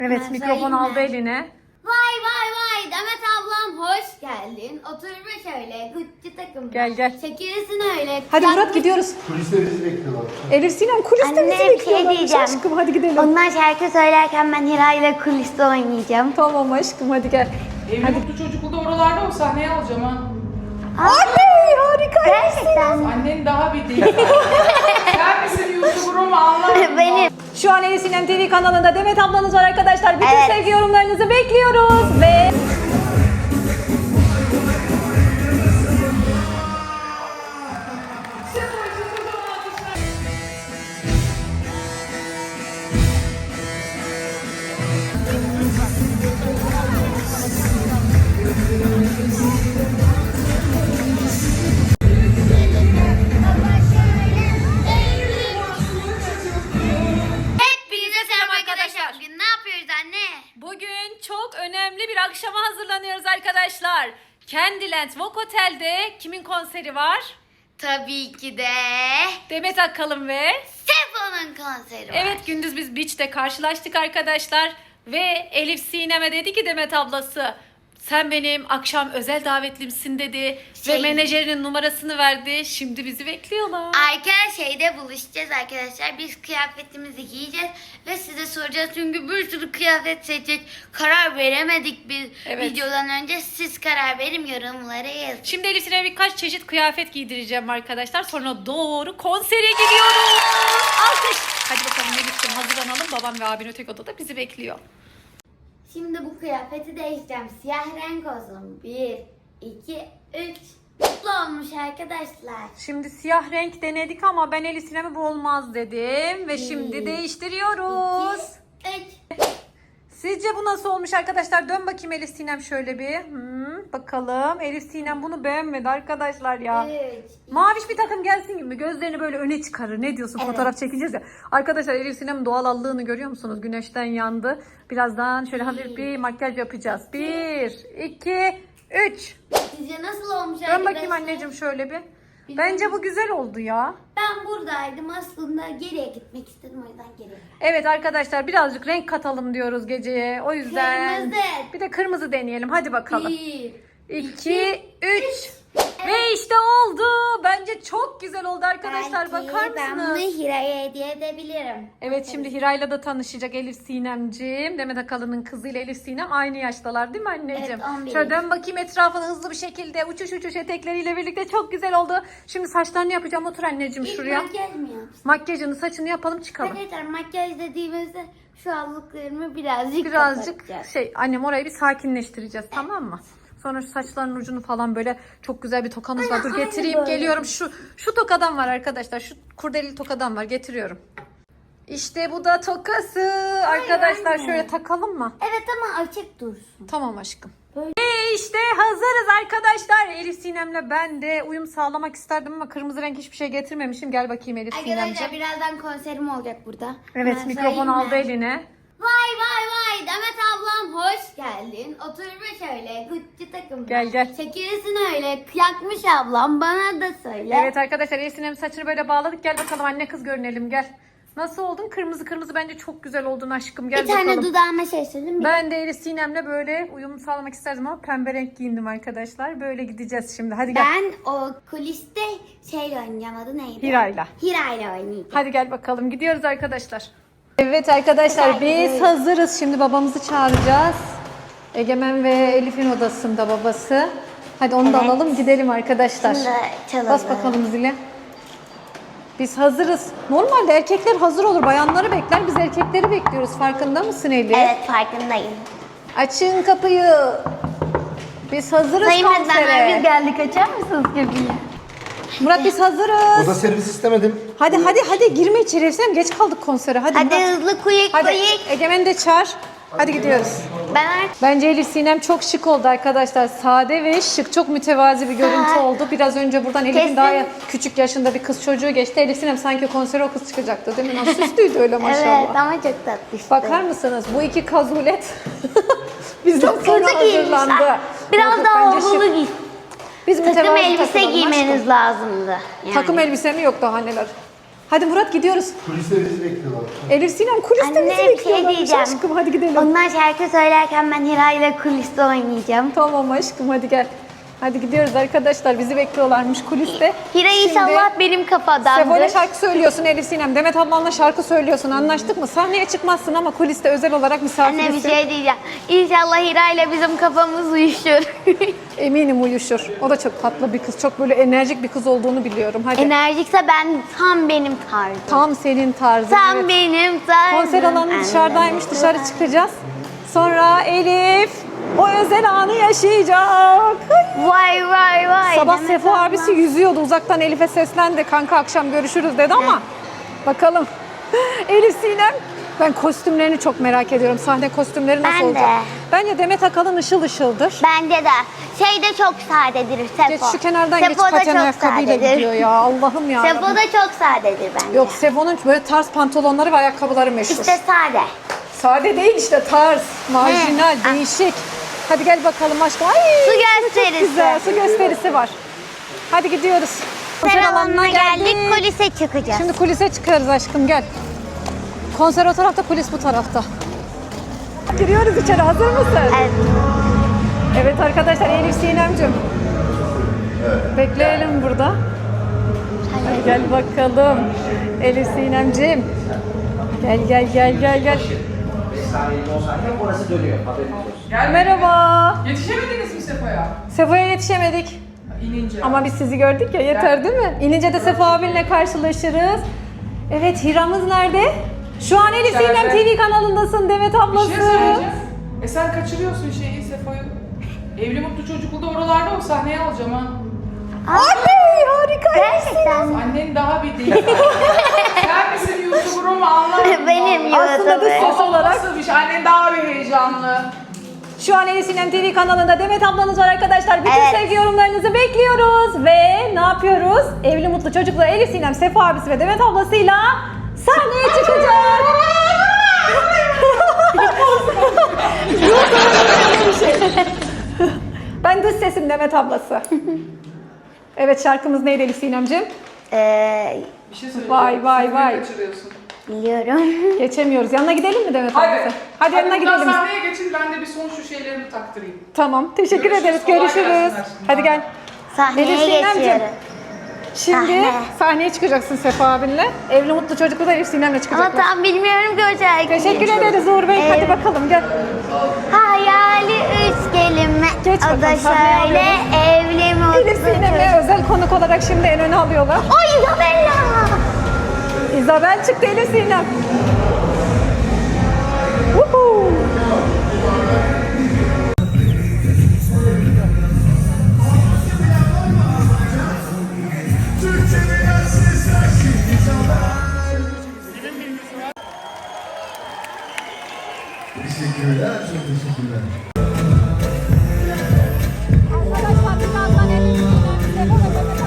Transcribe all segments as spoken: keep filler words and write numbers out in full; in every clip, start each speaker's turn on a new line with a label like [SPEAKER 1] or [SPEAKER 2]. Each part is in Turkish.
[SPEAKER 1] Evet,
[SPEAKER 2] Ben
[SPEAKER 1] mikrofon
[SPEAKER 2] söyleyeyim
[SPEAKER 1] aldı
[SPEAKER 2] mi?
[SPEAKER 1] eline.
[SPEAKER 2] Vay vay vay Demet ablam hoş geldin. Otur ve şöyle Gucci takım.
[SPEAKER 1] Gel, gel.
[SPEAKER 2] Çekilsin öyle.
[SPEAKER 1] Hadi
[SPEAKER 2] Yakmış-
[SPEAKER 1] Murat gidiyoruz.
[SPEAKER 3] Kuliste bizi bekliyorlar.
[SPEAKER 1] Elif Sinem kuliste
[SPEAKER 2] Anne,
[SPEAKER 1] bizi
[SPEAKER 2] bir şey
[SPEAKER 1] bekliyorlarmış
[SPEAKER 2] diyeceğim.
[SPEAKER 1] aşkım, hadi gidelim.
[SPEAKER 2] Onlar şarkı söylerken ben Hira ile kuliste oynayacağım.
[SPEAKER 1] Tamam aşkım, hadi gel.
[SPEAKER 4] Evli mutlu çocuklu da oralarda o sahneye alacağım ha.
[SPEAKER 1] Anne harika.
[SPEAKER 2] Gerçekten.
[SPEAKER 4] Annen daha bir değil. Sen misin YouTuber mu anlamadım.
[SPEAKER 2] Benim.
[SPEAKER 1] Şu an Elif Sinem T V kanalında Demet ablanız var arkadaşlar. Bütün
[SPEAKER 2] Evet.
[SPEAKER 1] sevgi yorumlarınızı bekliyoruz ve...
[SPEAKER 2] Hepinize selam arkadaşlar. Bugün ne yapıyoruz anne?
[SPEAKER 1] Bugün çok önemli bir akşama hazırlanıyoruz arkadaşlar. Candyland Vogue Hotel'de kimin konseri var?
[SPEAKER 2] Tabii ki de
[SPEAKER 1] Demet Akalın ve...
[SPEAKER 2] Sefo'nun konseri var.
[SPEAKER 1] Evet, gündüz biz beach'te karşılaştık arkadaşlar. Ve Elif Sinem'e dedi ki Demet ablası, sen benim akşam özel davetlimsin dedi.
[SPEAKER 2] Şey-
[SPEAKER 1] Ve menajerinin numarasını verdi. Şimdi bizi bekliyorlar.
[SPEAKER 2] Arka şeyde buluşacağız arkadaşlar. Biz kıyafetimizi giyeceğiz ve size soracağız. Çünkü bir sürü kıyafet seçecek. Karar veremedik biz
[SPEAKER 1] Evet.
[SPEAKER 2] videodan önce. Siz karar verin, yorumlara yazın.
[SPEAKER 1] Şimdi Elif Sinem'e birkaç çeşit kıyafet giydireceğim arkadaşlar. Sonra doğru konsere gidiyoruz. Alkış. Hadi bakalım Elif'ciğim, hazırlanalım. Babam ve abin öteki odada bizi bekliyor.
[SPEAKER 2] Şimdi bu kıyafeti değiştireceğim. Siyah renk olsun. Bir, iki, üç. Mutlu olmuş arkadaşlar.
[SPEAKER 1] Şimdi siyah renk denedik ama ben Elif Sinem'e bu olmaz dedim. Ve şimdi
[SPEAKER 2] Bir,
[SPEAKER 1] değiştiriyoruz.
[SPEAKER 2] İki, üç.
[SPEAKER 1] Sizce bu nasıl olmuş arkadaşlar? Dön bakayım Elif Sinem şöyle bir. Hmm, bakalım. Elif Sinem bunu beğenmedi arkadaşlar ya.
[SPEAKER 2] Üç.
[SPEAKER 1] Maviş bir takım gelsin gibi gözlerini böyle öne çıkarır. Ne diyorsun?
[SPEAKER 2] Evet.
[SPEAKER 1] Fotoğraf çekeceğiz ya. Arkadaşlar Elif Sinem'in doğal allığını görüyor musunuz? Güneşten yandı. Birazdan şöyle hafif bir makyaj yapacağız. Bir, iki, üç.
[SPEAKER 2] Sizce nasıl olmuş
[SPEAKER 1] Dön
[SPEAKER 2] arkadaşlar?
[SPEAKER 1] bakayım anneciğim şöyle bir. Bence bu güzel oldu ya.
[SPEAKER 2] Ben buradaydım aslında, geriye gitmek istedim, o yüzden geriye.
[SPEAKER 1] Evet arkadaşlar, birazcık renk katalım diyoruz geceye. O yüzden
[SPEAKER 2] Kırmızı.
[SPEAKER 1] bir de kırmızı deneyelim. Hadi bakalım.
[SPEAKER 2] Bir.
[SPEAKER 1] iki, üç. Ve işte oldu. Bence çok güzel oldu arkadaşlar.
[SPEAKER 2] Belki
[SPEAKER 1] Bakar
[SPEAKER 2] ben bunu
[SPEAKER 1] mısınız?
[SPEAKER 2] Hira'ya hediye edebilirim.
[SPEAKER 1] Evet, şimdi Hira'yla da tanışacak Elif Sinemciğim. Demet Akalın'ın kızıyla Elif Sinem aynı yaştalar değil mi anneciğim?
[SPEAKER 2] Evet, on bir.
[SPEAKER 1] Şöyle dön bakayım etrafına hızlı bir şekilde. Uçuş uçuş etekleriyle birlikte çok güzel oldu. Şimdi saçlarını yapacağım. Otur anneciğim
[SPEAKER 2] İlk
[SPEAKER 1] şuraya.
[SPEAKER 2] makyaj mı yapsın?
[SPEAKER 1] Makyajını, saçını yapalım, çıkalım.
[SPEAKER 2] Arkadaşlar makyaj dediğimizde şu allıklarımı birazcık
[SPEAKER 1] Birazcık
[SPEAKER 2] kapatacağız.
[SPEAKER 1] şey, annem orayı bir sakinleştireceğiz, tamam mı? Sonra şu saçların ucunu falan böyle çok güzel bir tokamız var. Dur
[SPEAKER 2] Aynen,
[SPEAKER 1] getireyim,
[SPEAKER 2] böyle.
[SPEAKER 1] geliyorum. Şu şu tokadan var arkadaşlar. Şu kurdeli tokadan var, getiriyorum. İşte bu da tokası. Arkadaşlar
[SPEAKER 2] anne.
[SPEAKER 1] şöyle takalım mı?
[SPEAKER 2] Evet ama açık dursun.
[SPEAKER 1] Tamam aşkım.
[SPEAKER 2] Böyle.
[SPEAKER 1] Ve işte hazırız arkadaşlar. Elif Sinem'le ben de uyum sağlamak isterdim ama kırmızı renk hiçbir şey getirmemişim. Gel bakayım Elif
[SPEAKER 2] Arkadaşlar
[SPEAKER 1] Sinemciğim.
[SPEAKER 2] birazdan konserim olacak burada.
[SPEAKER 1] Evet,
[SPEAKER 2] Ben
[SPEAKER 1] mikrofon
[SPEAKER 2] söyleyeyim mi?
[SPEAKER 1] aldı eline.
[SPEAKER 2] Vay vay vay Demet ablam hoş geldin. Otur ve şöyle Gucci takım.
[SPEAKER 1] Gel, gel.
[SPEAKER 2] Çekilsin öyle. Yakmış ablam, bana da söyle.
[SPEAKER 1] Evet arkadaşlar, Elif Sinem'in saçını böyle bağladık. Gel bakalım anne kız görünelim, gel. Nasıl oldun? Kırmızı kırmızı bence çok güzel oldun aşkım. Gel
[SPEAKER 2] Bir tane
[SPEAKER 1] bakalım.
[SPEAKER 2] dudağıma şey söyleyeyim mi?
[SPEAKER 1] Ben de Elif Sinem'le böyle uyum sağlamak isterdim ama pembe renk giyindim arkadaşlar. Böyle gideceğiz şimdi. Hadi gel.
[SPEAKER 2] Ben o kuliste şeyle oynayacağım, adı neydi?
[SPEAKER 1] Hira'yla.
[SPEAKER 2] Hira'yla oynayacağım.
[SPEAKER 1] Hadi gel bakalım, gidiyoruz arkadaşlar. Evet arkadaşlar,
[SPEAKER 2] Hadi.
[SPEAKER 1] biz hazırız. Şimdi babamızı çağıracağız. Egemen ve Elif'in odasında babası. Hadi onu da
[SPEAKER 2] Evet.
[SPEAKER 1] alalım, gidelim arkadaşlar.
[SPEAKER 2] Şimdi çalalım.
[SPEAKER 1] Bas bakalım zile. Biz hazırız. Normalde erkekler hazır olur, bayanları bekler. Biz erkekleri bekliyoruz. Farkında mısın Elif?
[SPEAKER 2] Evet, farkındayım.
[SPEAKER 1] Açın kapıyı. Biz hazırız
[SPEAKER 2] Sayın
[SPEAKER 1] konsere.
[SPEAKER 2] öğretmenler, biz geldik, açar mısınız kapıyı?
[SPEAKER 1] Murat biz hazırız.
[SPEAKER 3] Oda servis istemedim.
[SPEAKER 1] Hadi hadi hadi girme içeri. Efsane, geç kaldık konsere. Hadi,
[SPEAKER 2] Hadi
[SPEAKER 1] Murat.
[SPEAKER 2] hızlı kuyuk
[SPEAKER 1] Hadi
[SPEAKER 2] kuyuk.
[SPEAKER 1] Egemen'i de çağır. Hadi gidiyoruz.
[SPEAKER 2] Ben artık
[SPEAKER 1] Bence Elif Sinem çok şık oldu arkadaşlar. Sade ve şık. Çok mütevazi bir görüntü
[SPEAKER 2] Ha.
[SPEAKER 1] oldu. Biraz önce buradan Elif'in
[SPEAKER 2] Kesin.
[SPEAKER 1] daha küçük yaşında bir kız çocuğu geçti. Elif Sinem sanki konsere o kız çıkacaktı değil mi? Nasıl süslüydü öyle maşallah.
[SPEAKER 2] evet ama çok tatlı işte.
[SPEAKER 1] Bakar mısınız? Bu iki kazulet bizden
[SPEAKER 2] Çok
[SPEAKER 1] sonra
[SPEAKER 2] kötü giymişler.
[SPEAKER 1] hazırlandı.
[SPEAKER 2] Biraz
[SPEAKER 1] Yok,
[SPEAKER 2] daha
[SPEAKER 1] bence şık.
[SPEAKER 2] olumlu giy.
[SPEAKER 1] Biz
[SPEAKER 2] Takım
[SPEAKER 1] mütevazi
[SPEAKER 2] elbise
[SPEAKER 1] takılalım
[SPEAKER 2] giymeniz
[SPEAKER 1] aşkım.
[SPEAKER 2] lazımdı. Yani.
[SPEAKER 1] Takım elbise mi yok daha neler? Hadi Murat gidiyoruz.
[SPEAKER 3] Kuliste bizi bekliyorlar.
[SPEAKER 1] Elif Sinem kuliste
[SPEAKER 2] Anne,
[SPEAKER 1] bizi
[SPEAKER 2] bir şey
[SPEAKER 1] bekliyorlar.
[SPEAKER 2] diyeceğim.
[SPEAKER 1] Aşkım hadi gidelim.
[SPEAKER 2] Onlar şarkı söylerken ben Hira ile kuliste oynayacağım.
[SPEAKER 1] Tamam aşkım hadi gel. Hadi gidiyoruz arkadaşlar. Bizi bekliyorlarmış kuliste.
[SPEAKER 2] Hira
[SPEAKER 1] Şimdi
[SPEAKER 2] inşallah benim kafadandır.
[SPEAKER 1] Sevo'yla şarkı söylüyorsun Elif Sinem. Demet ablanla şarkı söylüyorsun. Anlaştık mı? Sahneye çıkmazsın ama kuliste özel olarak
[SPEAKER 2] Anne
[SPEAKER 1] misafirsin.
[SPEAKER 2] bir şey diyeceğim. İnşallah Hira ile bizim kafamız uyuşur.
[SPEAKER 1] Eminim uyuşur. O da çok tatlı bir kız. Çok böyle enerjik bir kız olduğunu biliyorum. Hadi.
[SPEAKER 2] Enerjikse ben tam benim tarzım.
[SPEAKER 1] Tam senin tarzın.
[SPEAKER 2] Tam
[SPEAKER 1] evet.
[SPEAKER 2] benim tarzım.
[SPEAKER 1] Konser alanı dışarıdaymış. Dışarı çıkacağız. Sonra Elif o özel anı yaşayacak.
[SPEAKER 2] Vay vay vay.
[SPEAKER 1] Sabah
[SPEAKER 2] Demet
[SPEAKER 1] Sefo
[SPEAKER 2] abla.
[SPEAKER 1] abisi yüzüyordu. Uzaktan Elif'e seslendi. Kanka akşam görüşürüz dedi ama bakalım. Elif Sinem. Ben kostümlerini çok merak ediyorum. Sahne kostümleri nasıl
[SPEAKER 2] Ben de.
[SPEAKER 1] olacak? Bence Demet Akalın ışıl ışıldır.
[SPEAKER 2] Bence de. Şey de çok sadedir Sefo.
[SPEAKER 1] Geç şu kenardan
[SPEAKER 2] Sefo
[SPEAKER 1] geç
[SPEAKER 2] da
[SPEAKER 1] paten
[SPEAKER 2] çok
[SPEAKER 1] ayakkabıyla
[SPEAKER 2] sadedir.
[SPEAKER 1] gidiyor ya. Allah'ım ya.
[SPEAKER 2] Sefo da çok sadedir bence.
[SPEAKER 1] Yok Sefo'nun böyle tarz pantolonları ve ayakkabıları meşhur.
[SPEAKER 2] İşte sade.
[SPEAKER 1] Sade değil işte tarz, marjinal,
[SPEAKER 2] He.
[SPEAKER 1] değişik. Hadi gel bakalım aşkım. Ay,
[SPEAKER 2] Su
[SPEAKER 1] çok
[SPEAKER 2] gösterisi.
[SPEAKER 1] güzel. Su gösterisi var. Hadi gidiyoruz.
[SPEAKER 2] Konser alanına geldik, kulise çıkacağız.
[SPEAKER 1] Şimdi kulise çıkarız aşkım gel. Konser o tarafta, kulis bu tarafta. Giriyoruz içeri. Hazır mısın?
[SPEAKER 2] Evet.
[SPEAKER 1] Evet arkadaşlar Elif Sinem'cim. Bekleyelim burada. Hadi gel bakalım. Elif Sinem'cim. Gel gel gel gel gel.
[SPEAKER 5] Orası dönüyor. Haberiniz olsun.
[SPEAKER 4] Gel.
[SPEAKER 1] Merhaba.
[SPEAKER 4] Yetişemediniz mi Sefa'ya?
[SPEAKER 1] Sefo'ya yetişemedik.
[SPEAKER 4] İnince.
[SPEAKER 1] Ama biz sizi gördük ya yeter değil mi? İnince de Sefo abinle karşılaşırız. Evet Hira'mız nerede? Şu an Elif
[SPEAKER 4] İçeride.
[SPEAKER 1] Sinem T V kanalındasın Demet
[SPEAKER 4] Bir
[SPEAKER 1] ablası.
[SPEAKER 4] şey söyleyeceğim. E sen kaçırıyorsun şeyi Sefa'yı. Evli Mutlu Çocuklu'da oralarda o sahneye alacağım ha.
[SPEAKER 1] Ay harika.
[SPEAKER 2] Gerçekten.
[SPEAKER 4] Annen daha bir değil. Sen misin YouTuber mu anlamadım.
[SPEAKER 2] Benim
[SPEAKER 4] vallahi.
[SPEAKER 1] Aslında dış
[SPEAKER 2] YouTuber.
[SPEAKER 1] ses olarak
[SPEAKER 4] Nasıl bir şey? Annen daha bir heyecanlı.
[SPEAKER 1] şu an Elif Sinem T V kanalında Demet ablanız var arkadaşlar. Bütün
[SPEAKER 2] Evet.
[SPEAKER 1] sevgi yorumlarınızı bekliyoruz. Ve ne yapıyoruz? Evli Mutlu Çocuklar Elif Sinem, Sefo abisi ve Demet ablasıyla sahneye çıkacak. Ben dış sesim Demet ablası. Evet şarkımız neydi Elif Sinem'ciğim?
[SPEAKER 2] Ee,
[SPEAKER 4] Bir şey söyleyeceğim.
[SPEAKER 1] Vay, vay,
[SPEAKER 4] Sefa'yı
[SPEAKER 1] vay.
[SPEAKER 4] kaçırıyorsun.
[SPEAKER 2] biliyorum.
[SPEAKER 1] Yanına Yanına gidelim mi Demet
[SPEAKER 4] Hadi.
[SPEAKER 1] ablası? Hadi yanına
[SPEAKER 4] buradan
[SPEAKER 1] gidelim.
[SPEAKER 4] sahneye geçin ben de bir son şu şeylerimi taktırayım.
[SPEAKER 1] Tamam teşekkür
[SPEAKER 4] Görüşürüz,
[SPEAKER 1] ederiz.
[SPEAKER 4] kolay
[SPEAKER 1] Görüşürüz.
[SPEAKER 4] gelsin aşkım.
[SPEAKER 1] Hadi gel.
[SPEAKER 2] Sahneye
[SPEAKER 1] Elif Sinem'ciğim.
[SPEAKER 2] geçiyorum.
[SPEAKER 1] Şimdi
[SPEAKER 2] Sahne.
[SPEAKER 1] sahneye çıkacaksın Sefa abinle. Evli Mutlu Çocuklu da Elif Sinem'le
[SPEAKER 2] Ama
[SPEAKER 1] çıkacaklar.
[SPEAKER 2] tam bilmiyorum ki o şarkıyı.
[SPEAKER 1] Teşekkür ederiz Uğur Bey. Hadi
[SPEAKER 2] Evet.
[SPEAKER 1] bakalım gel.
[SPEAKER 2] Hayali üç kelime.
[SPEAKER 1] Geç
[SPEAKER 2] o da
[SPEAKER 1] bakalım, sahneye
[SPEAKER 2] şöyle evli mutlu
[SPEAKER 1] Elif Sinem'e özel konuk olarak şimdi en öne alıyorlar.
[SPEAKER 2] O Isabella.
[SPEAKER 1] İzabel çıktı Elif Sinem. Woohoo.
[SPEAKER 3] Teşekkürler, çok teşekkürler.
[SPEAKER 1] Arkadaşlar birazdan Elif Sinem, Sefo ve Demet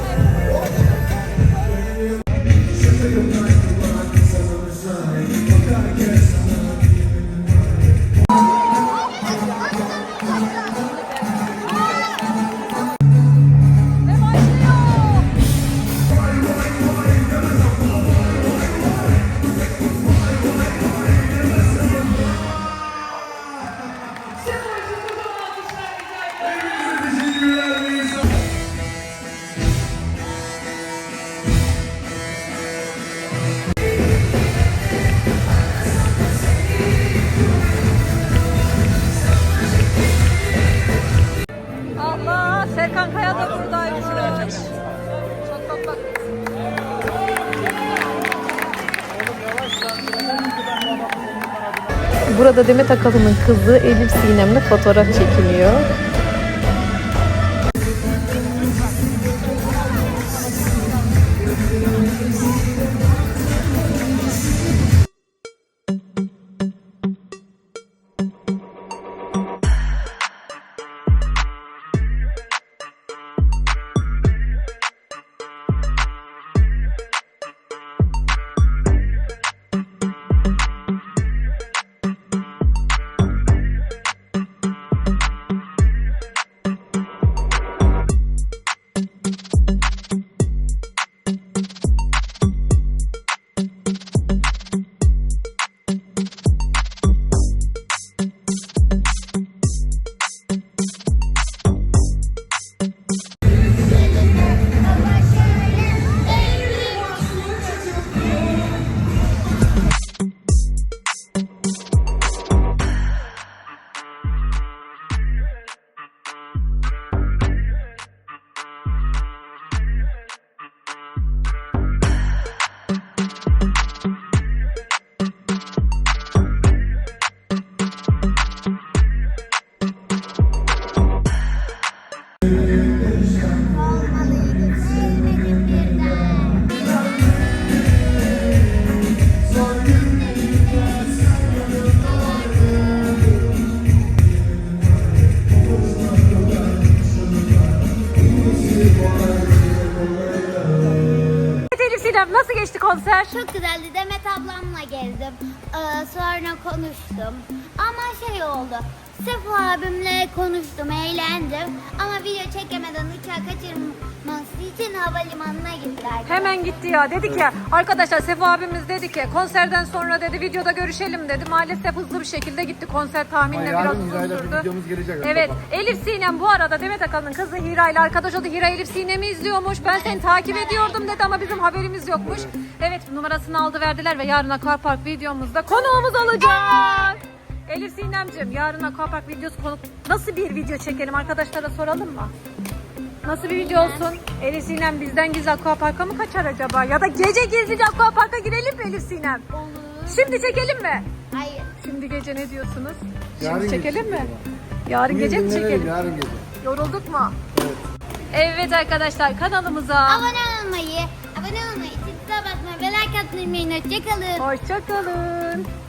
[SPEAKER 1] Allah, Serkan Kaya da buradaymış. Bak bak bak.
[SPEAKER 6] Burada Demet Akalın'ın kızı Elif Sinem'le fotoğraf çekiliyor.
[SPEAKER 1] Nasıl geçti konser?
[SPEAKER 2] Çok güzeldi. Demet ablamla gezdim. Ee, sonra konuştum. Ama şey oldu. Sefo abimle konuştum, eğlendim. Ama video çekemeden uçağı kaçırması için havalimanına gittiler.
[SPEAKER 1] Hemen gitti ya. Dedi ki arkadaşlar Sefo abimiz dedi ki konserden sonra dedi videoda görüşelim dedi. Maalesef hızlı bir şekilde gitti. Konser tahminle
[SPEAKER 3] Ama
[SPEAKER 1] biraz
[SPEAKER 3] yarın
[SPEAKER 1] uzun
[SPEAKER 3] Hira'yla bir
[SPEAKER 1] sürdü.
[SPEAKER 3] videomuz gelecek.
[SPEAKER 1] Evet.
[SPEAKER 3] Baba.
[SPEAKER 1] Elif Sinem bu arada Demet Akalın'ın kızı Hira ile arkadaş oldu. Hira Elif Sinem'i izliyormuş. Ben seni takip ediyordum dedi ama bizim haberimiz yokmuş. Evet numarasını aldı verdiler ve yarın Aquapark videomuzda konuğumuz olacak. Elif Sinem'cim yarın Aquapark videosu konuk nasıl bir video çekelim arkadaşlara soralım mı? Nasıl bir video olsun? Elif Sinem bizden gizli Aquapark'a mı kaçar acaba? Ya da gece gizlice Aquapark'a girelim mi Elif Sinem?
[SPEAKER 2] Olur.
[SPEAKER 1] Şimdi çekelim mi?
[SPEAKER 2] Hayır.
[SPEAKER 1] Şimdi gece ne diyorsunuz?
[SPEAKER 3] Yarın
[SPEAKER 1] Şimdi çekelim
[SPEAKER 3] gece.
[SPEAKER 1] mi? Yarın
[SPEAKER 3] Bugün
[SPEAKER 1] gece mi
[SPEAKER 3] dinlenelim,
[SPEAKER 1] çekelim?
[SPEAKER 3] Yarın gece.
[SPEAKER 1] Yorulduk mu?
[SPEAKER 3] Evet.
[SPEAKER 1] Evet arkadaşlar kanalımıza
[SPEAKER 2] Abone olmayı, abone olmayı, çizgiye basmayı ve like atmayı unutmayın. Hoşçakalın.
[SPEAKER 1] hoşça kalın.